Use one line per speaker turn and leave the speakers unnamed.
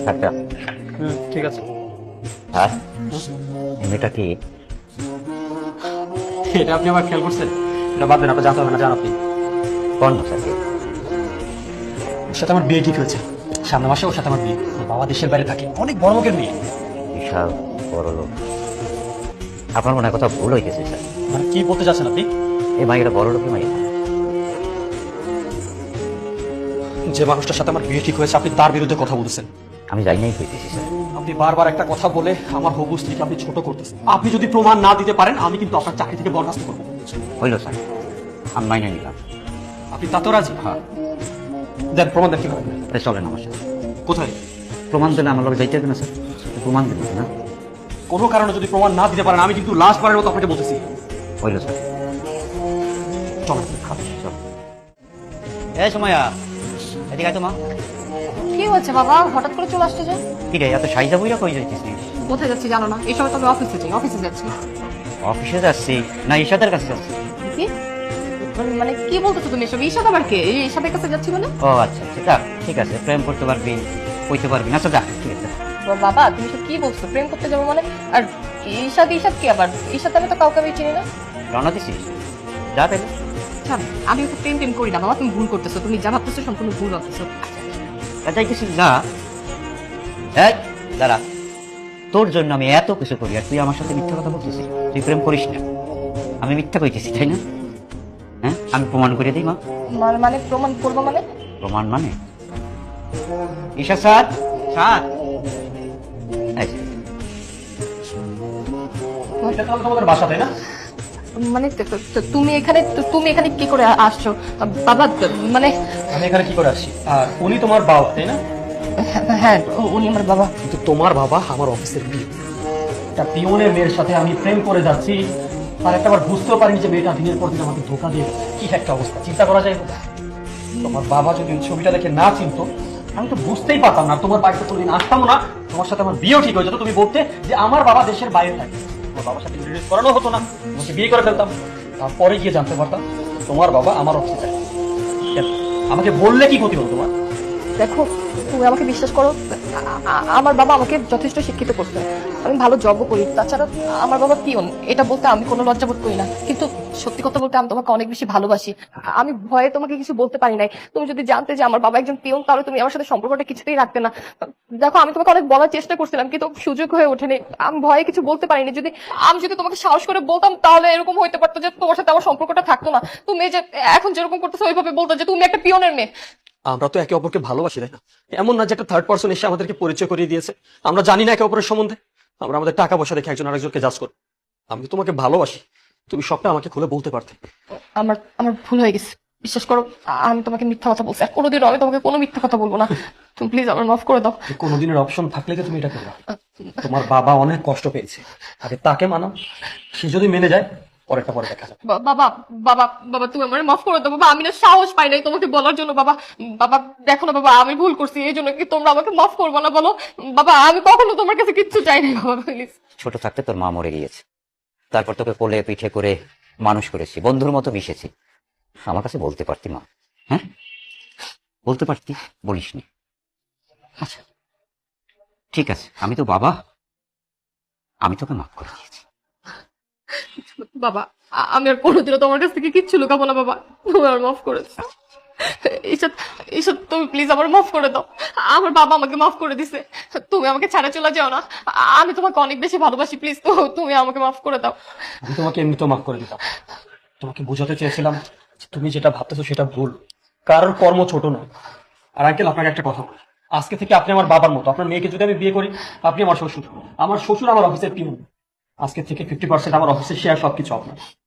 আচ্ছা
ঠিক আছে।
হ্যাঁ মেয়েটা কি?
এটা আপনি আবার খেয়াল করছেন? এটা বাদ দেন, আপনার জানতে হবে না, জান আপনি।
কোন ভাষাতে?
ওর সাথে আমার বিয়ে ঠিক হয়েছে, সামনের মাসে ওর সাথে আমার বিয়ে। ওর বাবা দেশের বাইরে থাকে, অনেক বড় লোকের মেয়ে।
বিশাল বড় লোক। আপনার মনে হয় কথা ভুল হইতেছে স্যার।
মানে কি বলতে চাচ্ছেন আপনি?
এই মাইটা বড় লোকের মাই।
যে মানুষটার সাথে আমার বিয়ে ঠিক হয়েছে আপনি তার বিরুদ্ধে কথা বলতেছেন?
আমি যাই নাই হইতেছি স্যার।
আপনি বারবার একটা কথা বলে আমার হবু স্ত্রীকে আপনি ছোট করতেছেন। আপনি যদি প্রমাণ না দিতে পারেন আমি কিন্তু আপনার চাকরি থেকে বরখাস্ত করবো।
হইল স্যার, আমি মাইনে নিলাম।
আপনি তাতেও রাজি?
হ্যাঁ।
দেন প্রমাণ দেন, কি করেন?
চলেন আমার সাথে।
কোথায়?
প্রমাণ দিলে আমার লোক যাইতে হবে না স্যার? প্রমাণ দিবেন না?
কোনো কারণে যদি প্রমাণ না দিতে পারেন আমি কিন্তু লাস্ট বারের মতো আপনাকে বলতেছি।
হইল স্যার।
চলেন।
চল। এই সময়া এদিকে আয় তো মা।
কি হচ্ছে বাবা, হঠাৎ করে চলে আসছে যে?
কি রে এত সাইজা বইরা কই যাইতেছিস?
কোথায় যাচ্ছি জানো না? এই সময় তো আমি অফিসে যাই, অফিসে যাচ্ছি।
অফিসে যাচ্ছি না ঈশাদের কাছে যাচ্ছি?
কি মানে কি বলতেছো তুমি এসব? ঈশাদ আবার কে? এই ঈশাদের কাছে যাচ্ছি মানে?
ও আচ্ছা আচ্ছা, যাক ঠিক আছে, প্রেম করতে পারবি, কইতে পারবি না, আচ্ছা যাক ঠিক আছে।
বাবা তুমি সব কি বলছো? প্রেম করতে যাবো মানে? আর ঈশাদ ঈশাদ কি আবার? ঈশাদ আমি তো কাউকে আমি চিনি না।
রওনা দিছিস? যা তাহলে।
আচ্ছা, আমি ওকে প্রেম টেম করি না বাবা, তুমি ভুল করতেছো, তুমি যা ভাবতেছো সম্পূর্ণ ভুল ভাবতেছো।
যাইতেছিস না? এই দাঁড়া, তোর জন্য আমি এত কিছু করি আর তুই আমার সাথে মিথ্যা কথা বলতেছিস? তুই প্রেম করিস না, আমি মিথ্যা কইতেছি তাই না? হ্যাঁ আমি প্রমাণ করে দিই মা।
মানে প্রমাণ করবো মানে?
প্রমাণ মানে ঈশা স্যার স্যার এই যে,
এটা তাহলে তোমাদের বাসা, তাই না?
মানে তুমি এখানে কি করে আসছো বাবা? মানে
আমি এখানে কি করে আসছি? আর উনি তোমার বাবা, তাই না?
হ্যাঁ উনি আমার বাবা।
কিন্তু তোমার বাবা আমার অফিসের পিয়ন। একটা পিয়নের মেয়ের সাথে আমি প্রেম করে যাচ্ছি, আর একটাবার বুঝতেও পারিনি যে মেয়েটা দিনের পর দিন আমাকে ধোকা দিয়ে গেছে। কি একটা অবস্থা, চিন্তা করা যায়? তোমার বাবা যদি ওই ছবিটা দেখে না চিনতো আমি তো বুঝতেই পারতাম না, তোমার বাড়িতে কোনদিন আসতাম না, তোমার সাথে আমার বিয়েও ঠিক হয়ে যেত। তুমি বলতে যে আমার বাবা দেশের বাইরে থাকে, তোমার বাবার সাথে রিলেট করানো হতো না, তোমাকে বিয়ে করে ফেলতাম। তারপরে গিয়ে জানতে পারতাম তোমার বাবা আমার অফিসে থাকে। আমাকে বললে কি ক্ষতি হতো তোমার?
দেখো তুমি আমাকে বিশ্বাস করো, আমার বাবা আমাকে যথেষ্ট শিক্ষিত করছে, আমি ভালো জবও করি, তাছাড়া আমার বাবা পিয়ন, এটা বলতে আমি কোনো লজ্জা বোধ করি না। কিন্তু সত্যি কথা বলতে আমি তোমাকে অনেক বেশি ভালোবাসি, আমি ভয়ে তোমাকে কিছু বলতে পারি নাই। তুমি যদি জানতে যে আমার বাবা একজন পিয়ন তাহলে তুমি আমার সাথে সম্পর্কটা কিছুতেই রাখতে না। দেখো আমি তোমাকে অনেক বলার চেষ্টা করছিলাম কিন্তু সুযোগ হয়ে ওঠেনি, আমি ভয়ে কিছু বলতে পারিনি। আমি যদি তোমাকে সাহস করে বলতাম তাহলে এরকম হইতে পারতো যে তোমার সাথে আমার সম্পর্কটা থাকতো না। তুমি এই যে এখন যেরকম করতেছো ওইভাবে বলতো যে তুমি একটা পিয়নের মেয়ে।
আমরা তো একে অপরকে ভালোবাসি, তাই না? এমন না যে একটা থার্ড পার্সন এসে আমাদেরকে পরিচয় করিয়ে দিয়েছে, আমরা জানি না একে অপরের সম্বন্ধে, আমরা আমাদের টাকা পয়সা দেখে একজন আরেকজনকে জাজ করি। আমি তো তোমাকে ভালোবাসি, তুমি সবটা আমাকে খুলে বলতে পারতে।
আমার আমার ভুল হয়ে গেছে, বিশ্বাস করো, আমি তোমাকে মিথ্যা কথা বলছি, আর কোনোদিনও আমি তোমাকে কোনো মিথ্যা কথা বলবো না। তুমি প্লিজ আমার মাফ করে দাও।
কোনোদিনের অপশন থাকলে কি তুমি এটা করবে? তোমার বাবা অনেক কষ্ট পেয়েছে, আগে তাকে মানো, সে যদি মেনে যায় পরেরটা পরে দেখা যাবে।
বাবা বাবা বাবা তুমি আমার মাফ করে দাও বাবা, আমি না সাহস পাই নাই তোমাকে বলার জন্য। বাবা বাবা দেখো না বাবা, আমি ভুল করছি, এই জন্য কি তোমরা আমাকে মাফ করবো না বলো? বাবা আমি কখনো তোমার কাছে কিচ্ছু চাই নাই বাবা, প্লিজ।
ছোট থাকতে তোর মা মরে গিয়েছে, তারপর তোকে কোলে পিঠে করে মানুষ করেছি, বন্ধুর মতো মিশেছি, আমার কাছে বলতে পারতি মা? হ্যাঁ বলতে পারতি, বলিসনি। আচ্ছা ঠিক আছে, আমি তো বাবা, আমি তোকে মাফ করে দিয়েছি।
বাবা আমি আর কোনোদিনও তোমার কাছ থেকে কিচ্ছু লুকাবো না বাবা, তুমি আমার মাফ করে দাও। এইসব এইসব তুমি প্লিজ আমার মাফ করে দাও। আমার বাবা আমাকে মাফ করে দিছে, তুমি আমাকে ছাড়া চলে যাও না, আমি তোমাকে অনেক বেশি ভালোবাসি, প্লিজ তুমি আমাকে মাফ করে দাও।
আমি তোমাকে এমনিতেও মাফ করে দিতাম, তোমাকে বোঝাতে চেয়েছিলাম যে তুমি যেটা ভাবতেছো সেটা ভুল, কারোর কর্ম ছোট নয়। আর আঙ্কেল আপনাকে একটা কথা বলি, আজকে থেকে আপনি আমার বাবার মতো, আপনার মেয়েকে যদি আমি বিয়ে করি আপনি আমার শ্বশুর, আমার শ্বশুর আমার অফিসের পিয়ন, আজকে থেকে 50% আমার অফিসের শেয়ার সবকিছু আপনার।